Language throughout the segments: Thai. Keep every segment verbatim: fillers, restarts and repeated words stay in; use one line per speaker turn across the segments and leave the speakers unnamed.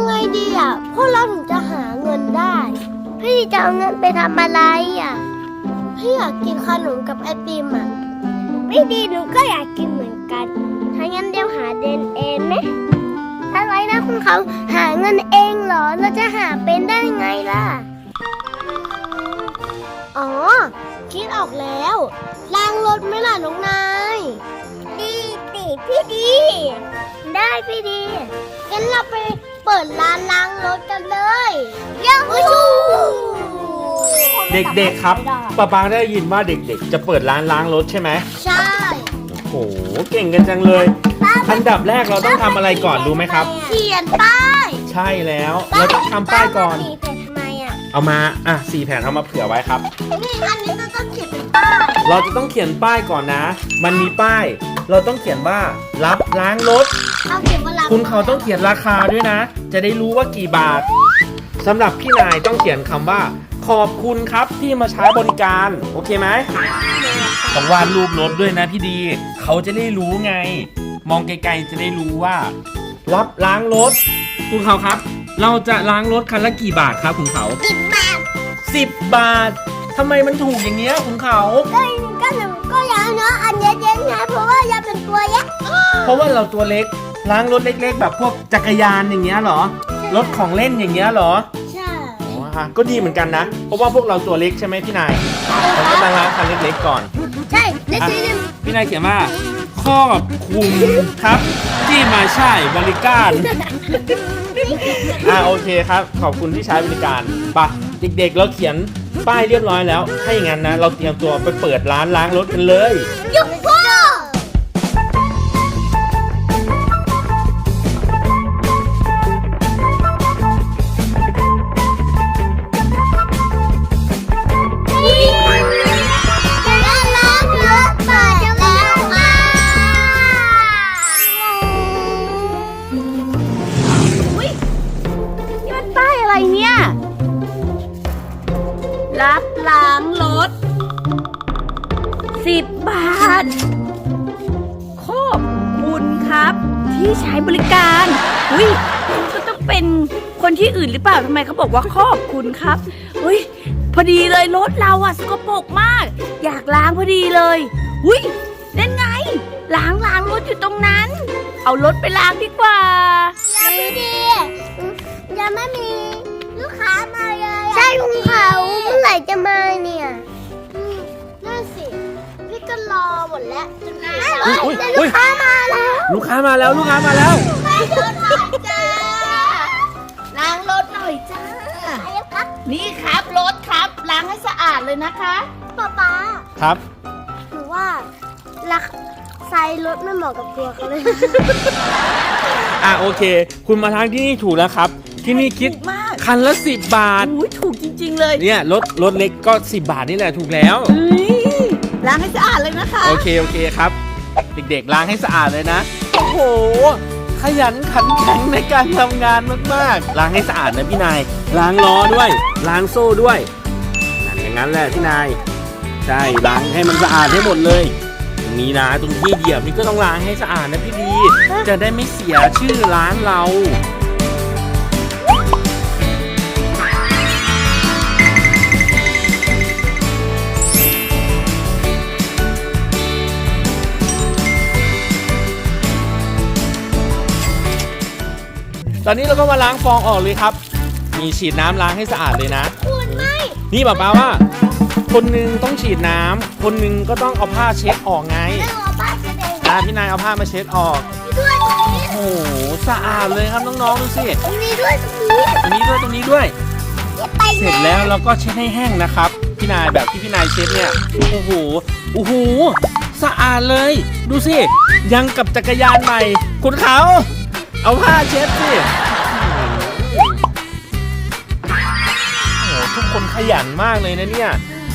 ไงดีอ่ะพวกเราถึงจะหาเงินได้พี่จะเอาเงินไปทำอะไรอ่ะพี่อยากกินขนมกับไอติมอ่ะไม่ดีหนูก็อยากกินเหมือนกันถ้างั้นเดี๋ยวหาเดินเองไหมอะไรนะคุณเขาหาเงินเองเหรอเราจะหาเป็นได้ไงล่ะอ๋อคิดออกแล้วล้างรถไหมล่ะน้องนายดีดีพี่ดีได้พี่ดีงั้นเราไปเปิดร้านล้างรถกันเลยยังไม่ชู
เด็กๆครับป้าปาได้ยินว่าเด็กๆจะเปิดร้านล้างรถใช่ไหม
ใช่
โอ้โหเก่งกันจังเลยอันดับแรกเราต้องทำอะไรก่อนรู้ไหมครับ
เขียนป้าย
ใช่แล้วเราต้องทำป้ายก่อน
สีแผ่นทำไมอ่ะ
เอามาอ่ะสี่แผ่นเอามาเผื่อไว้ครับ
นี่อันนี้เราต้องเขียนเป็นป้าย
เราจะต้องเขียนป้ายก่อนนะมันมีป้ายเราต้องเขียนว่ารับล้างรถ
เอาเขียนว่ารับ
คุณเขาต้องเขียนราคาด้วยนะจะได้รู้ว่ากี่บาทสำหรับพี่นายต้องเขียนคำว่าขอบคุณครับที่มาใช้บริการโอเคไหมต้องวาดรูปรถด้วยนะพี่ดีเขาจะได้รู้ไงมองไกลๆจะได้รู้ว่ารับล้างรถคุณเขาครับเราจะล้างรถคันละกี่บาทครับคุณเขา
สิบบาท
สิบบาททำไมมันถูกอย่างเงี้ยคุณเขา
ก็ก็หนูก็อยากเนาะอันเย็นๆไงเพราะว่าอยากเป็นตัวยักษ์
เพราะว่าเราตัวเล็กล้างรถเล็กๆแบบพวกจักรยานอย่างเงี้ยเหรอรถของเล่นอย่างเงี้ยเหรอ
ใช่
ก็ดีเหมือนกันนะเพราะว่าพวกเราตัวเล็กใช่ไหมพี่นายเราก็ต้องล้างคันเล็กๆก่อน
ใช่เล็ก
ๆพี่นายเขียนว่าขอบคุณครับที่มาใช้บริการอ่าโอเคครับขอบคุณที่ใช้บริการป่ะเด็กๆเราเขียนป้ายเรียบร้อยแล้วถ้าอย่างนั้นนะเราเตรียมตัวไปเปิดร้านล้างรถกันเลย
ยุบพ่อ
รับล้างรถสิบบาทขอบคุณครับที่ใช้บริการอุ้ยก็ต้องเป็นคนที่อื่นหรือเปล่าทำไมเขาบอกว่าขอบคุณครับอุ้ยพอดีเลยรถเราอะสกปรกมากอยากล้างพอดีเลยอุ้ยนั่นไงล้างล้างรถอยู่ตรงนั้นเอารถไปล้างดีกว่า
ยังไม่ดียังไม่มีลูกค้ามาเลยใช่ลุงเขาเมื่อไหร่จะมาเนี่ยนั่นสิพี่ก็รอหมดแล้วจนได้ลูกค้ามาแล้ว
ลูกค้ามาแล้วลูกค้ามาแล้ว
ล้างรถหน่อยจ้า
ล้างรถหน่อยจ้านี่ครับรถครับล้างให้สะอาดเลยนะคะ
ป๊าป๊า
ครับ
หรือว่าลักไซรถไม่เหมาะกับตัวเขาเลย
อ่ะโอเคคุณมาทางที่นี่ถูกแล้วครับที่นี่คิดคันละสิบบาท
อุ้ยถูกจริงๆเลย
เนี่ยรถรถเล็กก็สิบบาทนี่แหละถูกแล้ว
ล้างให้สะอาดเลยนะคะ
โอเคโอเคครับเด็กๆล้างให้สะอาดเลยนะโอ้โหขยันขันแข็งในการทำงานมากๆล้างให้สะอาดนะพี่นายล้างล้อด้วยล้างโซ่ด้วยนั่นอย่างนั้นแหละพี่นายใช่ล้างให้มันสะอาดให้หมดเลยตรงนี้นะตรงที่เหยียบนี่ก็ต้องล้างให้สะอาดนะพี่ดีจะได้ไม่เสียชื่อร้านเราตอนนี้เราก็มาล้างฟองออกเลยครับมีฉีดน้ำล้างให้สะอาดเลยนะ
คุณไม่
นี่บอกป้าว่าคนนึงต้องฉีดน้ำคนนึงก็ต้องเอาผ้าเช็ดออกไง
เอาผ้าเช็ดเอง
อ่าพี่นายเอาผ้ามาเช็ดออก
ด้วยตรงนี้
โอ้โหสะอาดเลยครับน้องๆดูสิ
ตรงนี้ด้วยตรงนี้
ตรงนี้ด้วยตรงนี้ด้วยเสร็จแล้วเราก็เช็ดให้แห้งนะครับพี่นายแบบที่พี่นายเช็ดเนี่ยโอ้โหโอ้โหสะอาดเลยดูสิยังกับจักรยานใหม่คุณเขาเอาผ้าเช็ดสิโอ้ทุกคนขยันมากเลยนะเนี่ย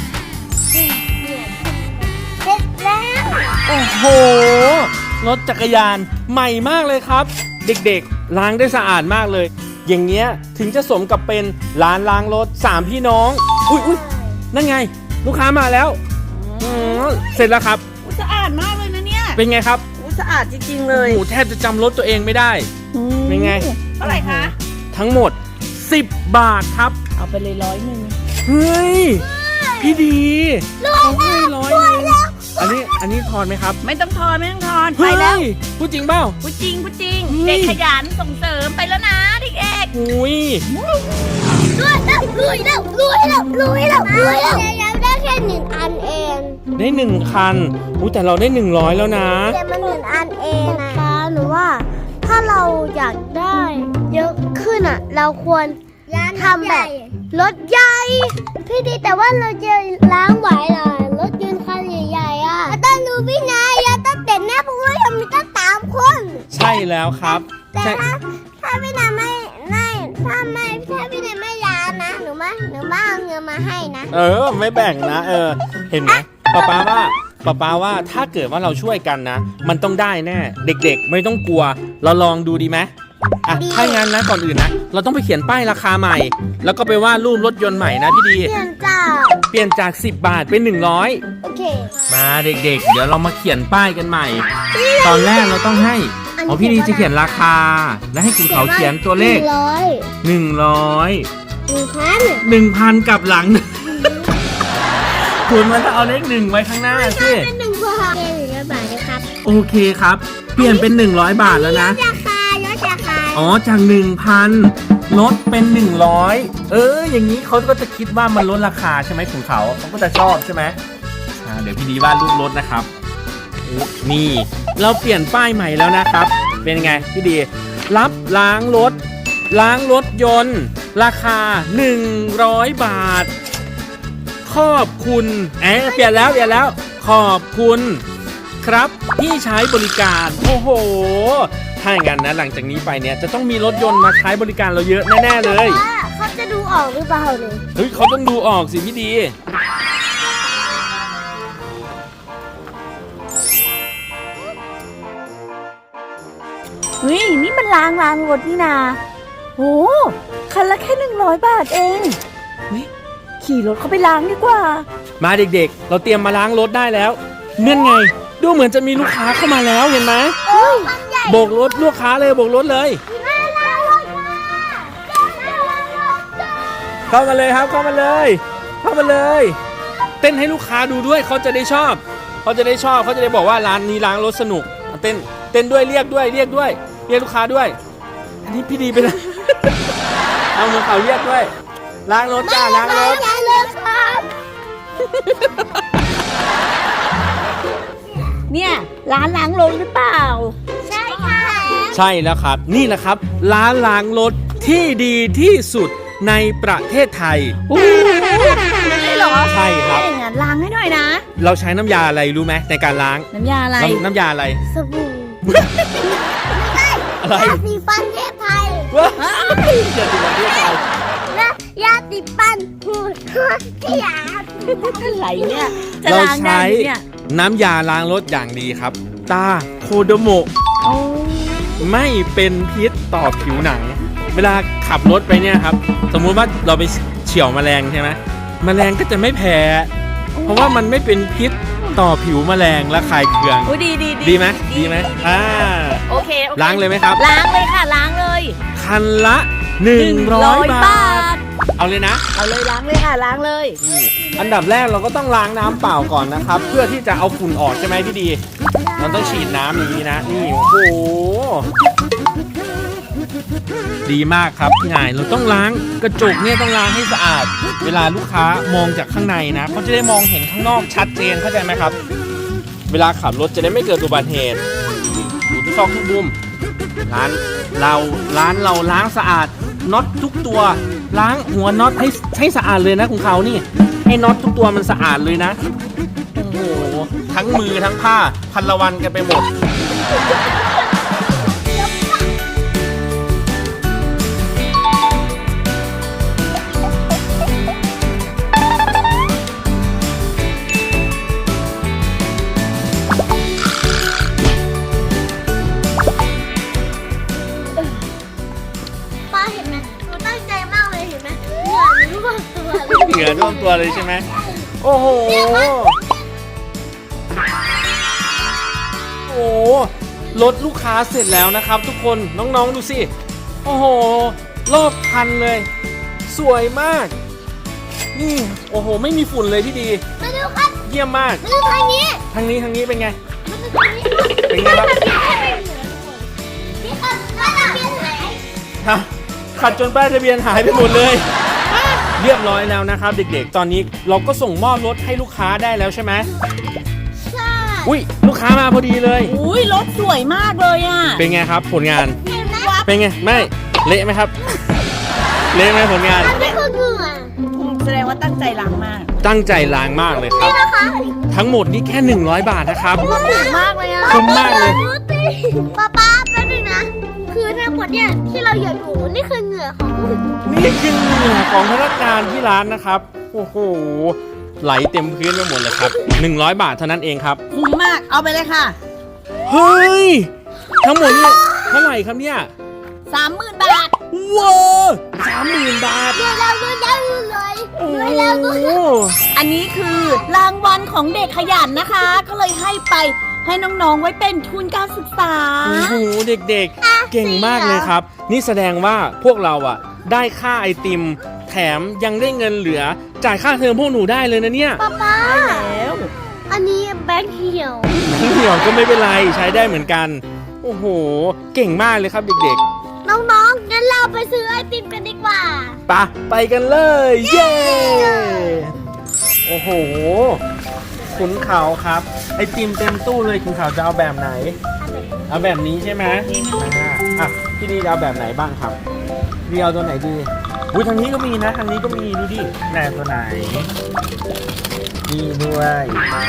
เสร็จแล้ว
โอ้โหรถจักรยานใหม่มากเลยครับเด็กๆล้างได้สะอาดมากเลยอย่างเงี้ยถึงจะสมกับเป็นร้านล้างรถสามพี่น้องอุ้ยอุ้ยนั่นไงลูกค้ามาแล้วเสร็จแล้วครับ
สะอาดมากเลยนะเนี่ย
เป็นไงครับ
สะอาดจริงๆเลย
โอ้แทบจะจำรถตัวเองไม่ได้เป็นไง
เท่าไหร่คะ
ททั้งหมดสิบบาทครับ
เอาไปเลยร้อยหนึ่ง
เฮ้ยพี่ดีเขาให้ร้อยหนึ่งอันนี้อันนี้ทอนไหมครับ
ไม่ต้องทอนไม่ต้องทอนไปแล้ว
เฮ้ยพูดจริงเปล่า
พูดจริงพูดจริง
เฮ้ย
เด็กขยันส่งเสริมไปแล้วนะเด็ก
หุย
รวยแล้วรวยแล้วรวยแล้วรวยแล้วรวยแล้วยังได้แค่หนึ่งอันเอง
ได้หนึ่งคันอู้แต่เราได้หนึ่งร้อยแล้วนะ
แต่มันหนึ่งอันเองนะป้าหนูว่า ถ้าเราอยากได้เยอะขึ้นอ่ะ เราควรทำแบบรถใหญ่พี่ดีแต่ว่าเราจะล้างไหวเหรอรถยนต์คันใหญ่ๆอ่ะต้องดูพี่นายอะต้องเต็มแน่เพราะว่าเรามีตั้งสามคน
ใช่แล้วครับ
แต่
ใช่
ถ้าถ้าพี่นายไม่ไม่ถ้าไม่ถ้าพี่นายไม่ล้างนะหนูมาหนูมาเอาเงินมาให้นะ
เออไม่แบ่งนะ เออ เห็นไหมป๊าป๊าว่าป๊าป๊าว่าถ้าเกิดว่าเราช่วยกันนะ มันต้องได้แน่ เด็กๆไม่ต้องกลัว เราลองดูดีไหมอ่ะถ้างั้นนะก่อนอื่นนะ เราต้องไปเขียนป้ายราคาใหม่ แล้วก็ไปวาดรูปรถยนต์ใหม่นะพี่ดี
เปลี่ยนจ้า
เปลี่ยนจากสิบบาทเป็นหนึ่งร้อย
โอเค
มาเด็กๆ เดี๋ยวเรามาเขียนป้ายกันใหม่ ตอนแรกเราต้องให้อ๋อพี่ดีจะเขียนราคา และให้คุณเขาเขียนตัวเลข
หนึ่งร้อย
หนึ่งร้อย
หนึ่งพัน
หนึ่งพันกลับหลัง คุณมันต้องเอาเลขหนึ่งไว้ข้างหน้าสิ
เป็นหนึ่งพันเองหนึ่งร้อยบาทนะครับ
โอเคครับ เปลี่ยนเป็นหนึ่งร้อยบาทแล้วนะ
ราคาลดราคา
อ๋อจากหนึ่งพันลดเป็นหนึ่งร้อยเออ อย่างนี้เขาก็จะคิดว่ามันลดราคาใช่ไหมของเขาเขาก็จะชอบใช่ไหมอ่าเดี๋ยวพี่ดีวาดรูปรถนะครับโอ้นี่เราเปลี่ยนป้ายใหม่แล้วนะครับ เป็นไงพี่ดี รับล้างรถ ล้างรถยนต์ ราคาหนึ่งร้อยบาท ขอบคุณเอ๊ะเปลี่ยนแล้วเปลี่ยนแล้ว ขอบคุณครับที่ใช้บริการโอ้โหถ้าอย่างนั้นนะหลังจากนี้ไปเนี่ยจะต้องมีรถยนต์มาใช้บริการเราเยอะแน่ๆเลย
ว่าเขาจะดูออกหรือเปล่าเนี่ย
เฮ้ยเขาต้องดูออกสิพี่ดี
ๆเฮ้ยนี่มันล้างล้างรถนี่นาโอ้คันละแค่หนึ่งร้อยบาทเองเฮ้ยขี่รถเข้าไปล้างดีกว่า
มาเด็กๆ เราเตรียมมาล้างรถได้แล้วเนื่องไงดูเหมือนจะมีลูกค้าเข้ามาแล้วเห็นไหม
เฮ้ยมันใหญ่
โบกรถลูกค้าเลยโบกรถเลย
น่ารักมากน่ารักมาก
เข้ามาเลยครับเข้ามาเลย เข้ามาเลย เต้นให้ลูกค้าดูด้วยเขาจะได้ชอบเขาจะได้ชอบเขาจะได้บอกว่าร้านนี้ล้างรถสนุกเต้นเต้นด้วยเรียกด้วยเรียกด้วย เรียกลูกค้าด้วย อันนี้พี่ดีไปนะ เอามือเขาเรียกด้วย ล้างรถจ้าล้างรถ
ใหญ่เลยครับ
เนี่ยร้านล้างรถหรือเปล่า
ใช่ค่ะ
ใช่แล้วครับ นี่แหละครับ ร้านล้างรถที่ดีที่สุดในประเทศไทย
โอ้โหเลยเหรอ
ใช่ครับ
ถ้าอย่างนั้นล้างให้หน่อยนะ
เราใช้น้ำยาอะไรรู้ไหมในการล้าง
น้ำยาอะไร
น้ำน้ำยาอะไร
สบู่
อะไร
ยาสีฟันเทพไทย
ว้ายอย่าดูมันด้วยกัน
และยาสีฟันหูที่ยา
อะไรเนี่ย จะ
เรา
ล้างได้
ใช้
ไหมเนี่ย
น้ำยาล้างรถอย่างดีครับ ตาโคโดโมะ
โอ้
ไม่เป็นพิษต่อผิวหนัง เวลาขับรถไปเนี่ยครับ สมมุติว่าเราไปเฉี่ยวแมลงใช่ไหมแมลงก็จะไม่แพ้ เพราะว่ามันไม่เป็นพิษต่อผิวแมลงและคายเคือง
โอ้ดีดี
ดีไหมดีไหมอ่า
โอเคโอเค
ล้างเลยไหมครับ
ล้างเลยค่ะล้างเลย
คันละหนึ่งร้อยบาท
ท
เอาเลยนะ
เอาเลยล้างเลยค่ะล้างเลย
นี่อันดับแรกเราก็ต้องล้างน้ำเปล่าก่อนนะครับ เพื่อที่จะเอาฝุ่นออกใช่ไหมพี่ดี เราต้องฉีดน้ำอย่างนี้นะ นี่โอ้โห ดีมากครับพี่นายเราต้องล้างกระจกเนี่ยต้องล้างให้สะอาด เวลาลูกค้ามองจากข้างในนะเขาจะได้มองเห็นข้างนอกชัดเจนเข้าใจไหมครับ เวลาขับรถจะได้ไม่เกิดอุบัติเหตุอยู่ทุกซอกทุกมุมร้านเราร้านเราล้างสะอาดน็อตทุกตัว ล้างหัวน็อตให้ให้สะอาดเลยนะของเขานี่ให้น็อตทุกตัวมันสะอาดเลยนะโอ้โหทั้งมือทั้งผ้าพันละวันกันไปหมด
ป้าเห็นไหมหนูตั้งใจมากเลยเห็นไหมเหงื่อหนูท่วมตัวเลย
เหงื่อท่วมตัวเลยใช่ไหมโอ้โห โอ้โหรถลูกค้าเสร็จแล้วนะครับ ทุกคนน้องๆดูสิ โอ้โหรอบคันเลย สวยมาก นี่โอ้โหไม่มีฝุ่นเลยพี่ดี
มาดูครับ
เยี่ยมมาก
มาดูทางนี้
ทางนี้ทางนี้เป็นไง
มาดูทางนี้
เป็นไงครับ
นี่ครับป้ายทะเบียนหาย
ฮะขัดจนป้ายทะเบียนหายไปหมดเลย เรียบร้อยแล้วนะครับเด็กๆ ตอนนี้เราก็ส่งมอบรถให้ลูกค้าได้แล้วใช่ไหม
ใช่
อุ้ยลูกค้ามาพอดีเลย
อุ้ยรถสวยมากเลยอ่ะ
เป็นไงครับผลงาน
เห็นไหม
เป็นไงไม่เละไหมครับ เละไหมผลงาน
อันนี้คือเหงื่อ
แสดงว่าตั้งใจล้างมาก
ตั้งใจล้างมากเลยครับ
นี่นะคะ
ทั้งหมดนี่แค่หนึ่งร้อยบาทนะครับ
ถูกมากเลยอ่ะ
คุ้มมากเลย
ป๊าป๊าแป๊บนึงนะ คือทั้งหมดเนี่ยที่เราเหยียบอยู่นี่คือเหงื่อของผู้หญิง
นี่คือเหงื่อของพนักงานที่ร้านนะครับ โอ้โห ไหลเต็มพื้นไปหมดเลยครับหนึ่งร้อยบาทเท่านั้นเองครับ
คุ้มมาก เอาไปเลยค่ะ
เฮ้ย ทั้งหมดนี่เท่าไหร่ครับเนี่ย
สามหมื่นบาท
ว้าวสามหมื่นบาท
เดี๋ยวเราดูได้เลย
โอ้
เดี๋ยวเราดู
โห
อันนี้คือรางวัลของเด็กขยันนะคะ ก็เลยให้ไปให้น้องๆไว้เป็นทุนการศึกษา
โอ้โห เด็กๆ เก่งมากเลยครับ นี่แสดงว่าพวกเราอ่ะ ได้ค่าไอติม แถมยังได้เงินเหลือ จ่ายค่าเทอมพวกหนูได้เลยนะเนี่ย
ป๊าป๊า
แล้ว
อันนี้แบงค์เหี่ยว
เหี่ยวก็ไม่เป็นไรใช้ได้เหมือนกัน โอ้โห เก่งมากเลยครับเด็กๆ
น้องๆงั้นเราไปซื้อไอติมกันดีกว่า
ปะไปกันเลย เย้ โอ้โห ขุนเขาครับ ไอติมเต็มตู้เลยขุนเขาจะเอาแบบไหน เอาแบบนี้ใช่ไหมอ่าอ่ะพี่ดีจะเอาแบบไหนบ้างครับพี่เอาตัวไหนดีอุ้ยทางนี้ก็มีนะ ทางนี้ก็มีดูดิแหนตัวไหนนี่ด้วย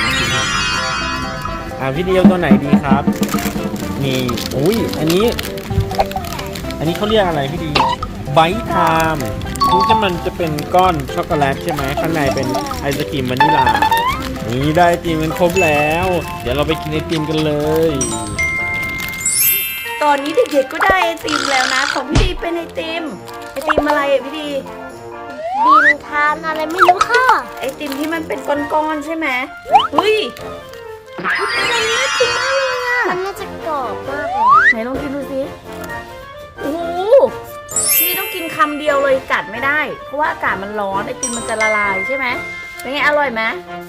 อ่ะพี่ดีเอาตัวไหนดีครับนี่อุ้ยอันนี้ อันนี้เขาเรียกอะไรพี่ดีไบท์ไทม์นี่จะมันจะเป็นก้อนช็อกโกแลตใช่ไหมข้างในเป็นไอศกรีมวานิลานี่ได้ไอติมกันครบแล้ว เดี๋ยวเราไปกินไอติมกันเลย
ตอนนี้เด็กๆก็ได้ไอติมแล้วนะ ของพี่ดีเป็นไอติม ไอติมอะไรอ่ะพี่ดี
ดินทานอะไรไม่รู้ค่ะ
ไอติมที่มันเป็นก้อนๆใช่ไหมเฮ้ยมันน่ากินมากเลยอ่ะ
มันน่าจะกรอบมากเลย
ไหนลองกินดูสิโอ้โหพี่ต้องกินคำเดียวเลยกัดไม่ได้ เพราะว่าอากาศมันร้อนไอติมมันจะละลายใช่ไหมเป็นไงอร่อยไหม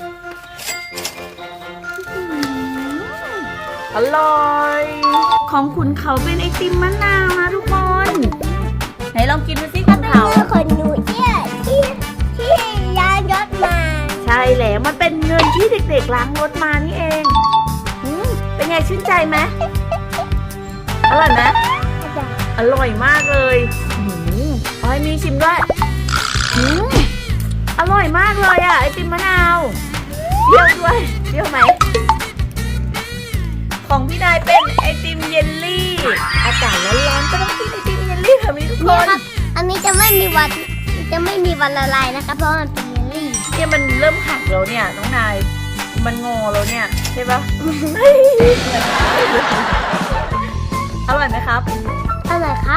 อร่อย ของขุนเขาเป็นไอติมมะนาวนะทุกคน ไหนลองกินดูสิขุนเขา
เมื่อคนหนูที่ที่ที่ย้ายรถมา
ใช่แล้วมันเป็นเงินที่เด็กๆล้างรถมานี่เองอืมเป็นไงชื่นใจไหมอร่อยไหมอร่อยมากเลยอืมเอาให้มีชิมด้วยอืมอร่อยมากเลยอ่ะไอติมมะนาวเปรี้ยวด้วยเปรี้ยวไหมของพี่นายเป็นไอติมเยลลี่อากาศร้อนๆก็ต้องกินไอติมเยลลี่แบบนี้ทุกค
เนี่ย
น
ครับ อันนี้จะไม่มีวันจะไม่มีวันละลายนะคะ เพราะมันเป็นเยลลี่
เนี่ยมันเริ่มหักแล้วเนี่ยน้องนายมันงอแล้วเนี่ยใช่ปะ อร่อยไหมครับ
อะไรครับ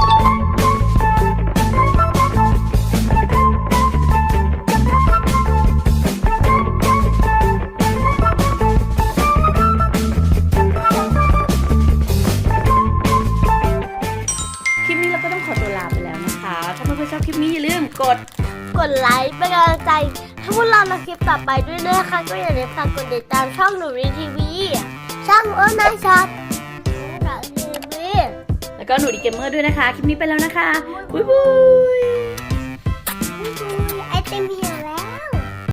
คลิปนี้เราก็ต้องขอตัวลาไปแล้วนะคะ ถ้าเพื่อนๆชอบคลิปนี้อย่าลืมกด
กดไลค์เป็นกำลังใจถ้าพวกเราในคลิปต่อไปด้วยนะคะ ก็อย่าลืมฝากกดติดตามช่องหนูรีทีวีช่องโอ้นายช็อตทีวี
แล้วก็หนูดีเกมเมอร์ด้วยนะคะ คลิปนี้ไปแล้วนะคะ บ๊ายบาย